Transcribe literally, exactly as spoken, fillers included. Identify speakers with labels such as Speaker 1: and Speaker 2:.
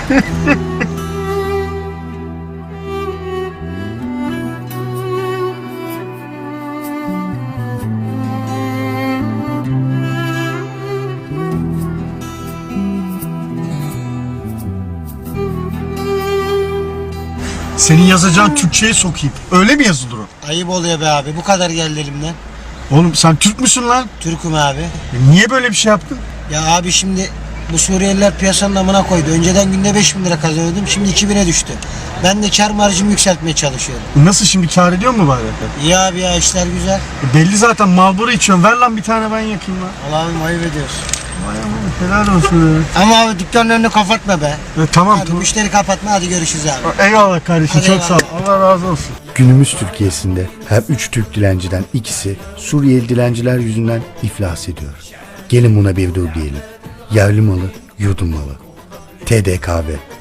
Speaker 1: Senin yazacağın Türkçe'ye sokayım. Öyle mi yazılır o?
Speaker 2: Ayıp oluyor be abi. Bu kadar geldi elimden.
Speaker 1: Oğlum sen Türk müsün lan?
Speaker 2: Türk'üm abi.
Speaker 1: E niye böyle bir şey yaptın?
Speaker 2: Ya abi şimdi bu Suriyeliler piyasanın amına koydu. Önceden günde beş bin lira kazanıyordum. Şimdi iki bine düştü. Ben de kar marjımı yükseltmeye çalışıyorum.
Speaker 1: Nasıl şimdi, kâr ediyor mu bari?
Speaker 2: İyi abi ya, işler güzel.
Speaker 1: E belli zaten, Marlboro içiyorsun. Ver lan bir tane, ben yakayım lan.
Speaker 2: Allah'ım ayıp ediyorsun.
Speaker 1: Vay aman, helal olsun.
Speaker 2: Ama abi dükkanın önünü kapatma be.
Speaker 1: E, tamam
Speaker 2: Hadi
Speaker 1: tamam.
Speaker 2: müşteri kapatma, hadi görüşürüz abi.
Speaker 1: Eyvallah kardeşim,
Speaker 2: Hadi
Speaker 1: çok
Speaker 2: eyvallah.
Speaker 1: sağ ol. Allah razı olsun.
Speaker 3: Günümüz Türkiye'sinde her üç Türk dilenciden ikisi Suriyeli dilenciler yüzünden iflas ediyor. Gelin buna bir dur diyelim. Yerli malı, yurdum malı. T D K V